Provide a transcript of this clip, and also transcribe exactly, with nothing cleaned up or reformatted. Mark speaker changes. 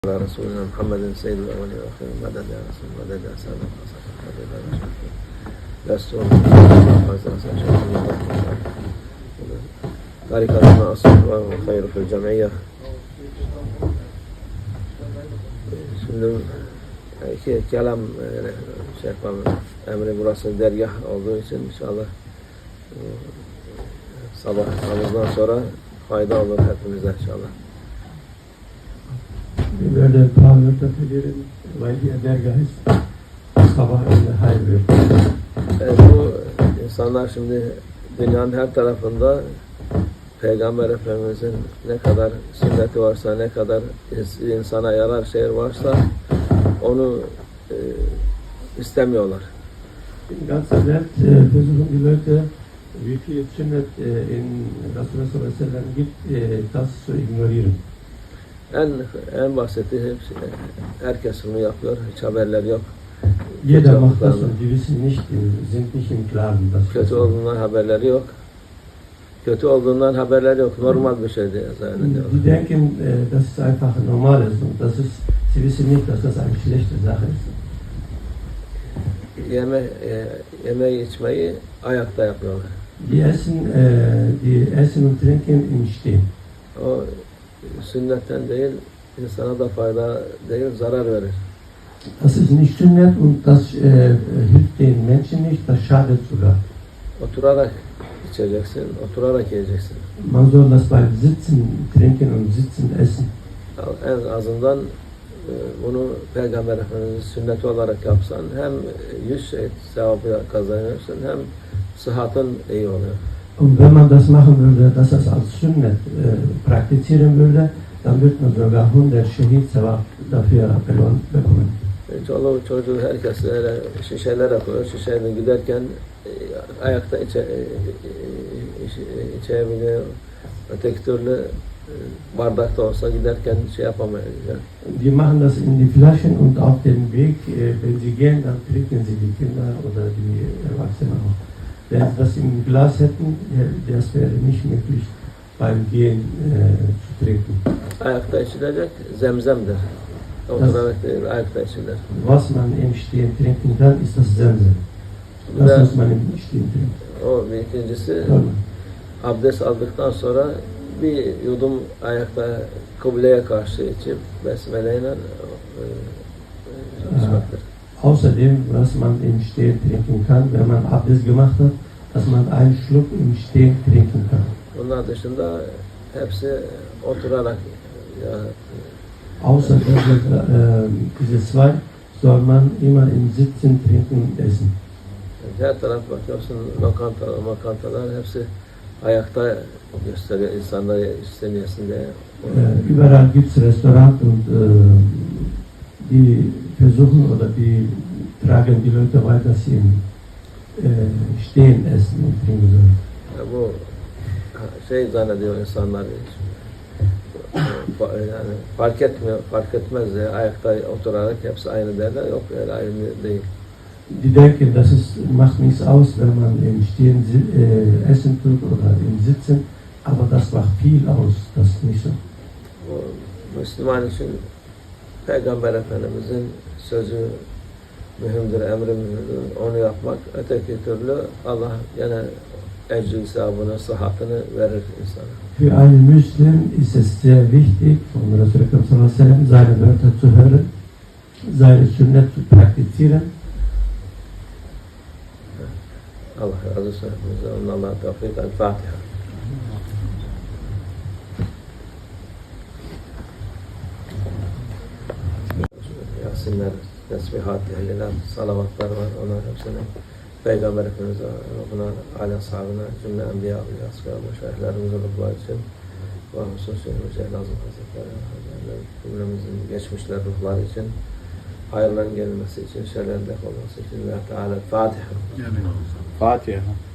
Speaker 1: على رسولنا محمد سيد الأولين والآخرين مدد يا رسول مدد يا سلام مدد يا رسول لست طريقة أصل وخير في الجمعية. Şimdi iki kelam şey yapalım. Emri burası dergah olduğu için inşallah sabah namazdan sonra fayda olur hepimize inşallah.
Speaker 2: Böyle parlamentolerin valiye dergahı sabah önüne hayır veriyor.
Speaker 1: Evet, bu insanlar şimdi dünyanın her tarafında Peygamber Efendimiz'in ne kadar sünneti varsa, ne kadar insana yarar şey varsa onu e, istemiyorlar.
Speaker 2: In ganzer Welt äh, versuchen die Leute, wie viel Sünnet äh, in Resulullah sallallahu aleyhi ve sellem gibt, äh, das zu ignorieren.
Speaker 1: En en basiti hepsi, herkes bunu yapıyor, hiç haberleri yok.
Speaker 2: Jeder macht das und die wissen nicht, sind nicht im Klaren. Dass
Speaker 1: Kötü olduğundan haberleri yok. Kötü olduğundan haberleri yok. Normal bir şey diye zannediyorlar.
Speaker 2: Die denken, äh, dass es einfach normal ist und das ist, sie wissen nicht, dass das eine schlechte Sache ist.
Speaker 1: Yeme, e, yemeği içmeyi ayakta yapıyorlar.
Speaker 2: Die essen, äh, die essen und trinken im Stehen.
Speaker 1: O sünnetten değil, insana da fayda değil, zarar verir.
Speaker 2: Das ist nicht Sünnet und das äh, hilft den Menschen nicht, das schadet sogar.
Speaker 1: Oturarak içeceksin, oturarak yiyeceksin.
Speaker 2: Man soll das beim Sitzen trinken und Sitzen essen.
Speaker 1: En azından e, bunu Peygamber Efendimiz sünneti olarak yapsan hem yüz şey sevabı kazanıyorsun hem sıhhatın iyi oluyor.
Speaker 2: Und wenn man das machen würde, dass das als Sünnet äh, praktizieren würde, dann würde man sogar hundert Şehit sevap dafür belohnt bekommen.
Speaker 1: Çoluğu çocuğu herkes öyle şişelere koyuyor. Şişeyle giderken e, ayakta içe, e, e, içebiliyor. Öteki türlü e, bardakta olsa giderken şey yapamayacak.
Speaker 2: Die machen das in die Flaschen und auf dem Weg, äh, wenn sie gehen, dann trinken sie die Kinder oder die Erwachsenen auch. Wenn sie das im Glas hätten, das wäre nicht möglich beim Gehen äh, zu trinken.
Speaker 1: Ayakta içilecek zemzemdir. Oturarak değil, ayakta içilir.
Speaker 2: Was man im Stehen trinken kann, ist das Zemzem. Das
Speaker 1: Ve
Speaker 2: muss man im Stehen trinken.
Speaker 1: o bir ikincisi
Speaker 2: Tamam.
Speaker 1: abdest aldıktan sonra bir yudum ayakta kıbleye karşı içip besmeleyle e, e, içmektir.
Speaker 2: Außerdem, was man im Stehen trinken kann, wenn man Abdest gemacht hat, dass man einen Schluck im Stehen trinken kann.
Speaker 1: Bunlar dışında hepsi oturarak ya,
Speaker 2: Außer diese, äh, diese zwei soll man immer im Sitzen trinken essen.
Speaker 1: her taraf bakıyorsun lokanta, lokantalar hepsi ayakta gösteriyor insanları istemeyesin diye.
Speaker 2: Äh, überall gibt es Restaurants und äh, die versuchen oder die tragen die Leute weiter, dass sie im äh, Stehen essen und trinken sollen.
Speaker 1: Ya bu şey zannediyor insanlar yani fark etmiyor, fark etmez ya ayakta oturarak hepsi aynı derler. Yok öyle aynı değil.
Speaker 2: Die denken, das ist, macht nichts aus, wenn man im Stehen äh, essen tut oder im Sitzen, aber das macht viel aus, das ist nicht so.
Speaker 1: O Müslüman için Peygamber Efendimizin sözü mühimdir, emri mühimdir. Onu yapmak, öteki türlü Allah gene ecri sevabını, sıhhatını verir insana.
Speaker 2: Für einen Muslim ist es sehr wichtig, von Resulullah sallallahu aleyhi ve sellem seine Wörter zu hören, seine Sünnet zu praktizieren.
Speaker 1: Allah razı olsun hepimize. Allah'a tevfik. El-Fatiha. Yasinler, tesbihat, ehliler, salavatlar var. Onlar hepsini Peygamber Efendimiz'e, buna, ala sahabına, cümle enbiya, asgâ, meşayihlerimize ruhlar için ve hususi Mücahid Azam Hazretleri, cümlemizin geçmişler ruhlar için, hayırların gelmesi için, şerlerin def olması için ve Teala Fatiha.
Speaker 3: Fatiha.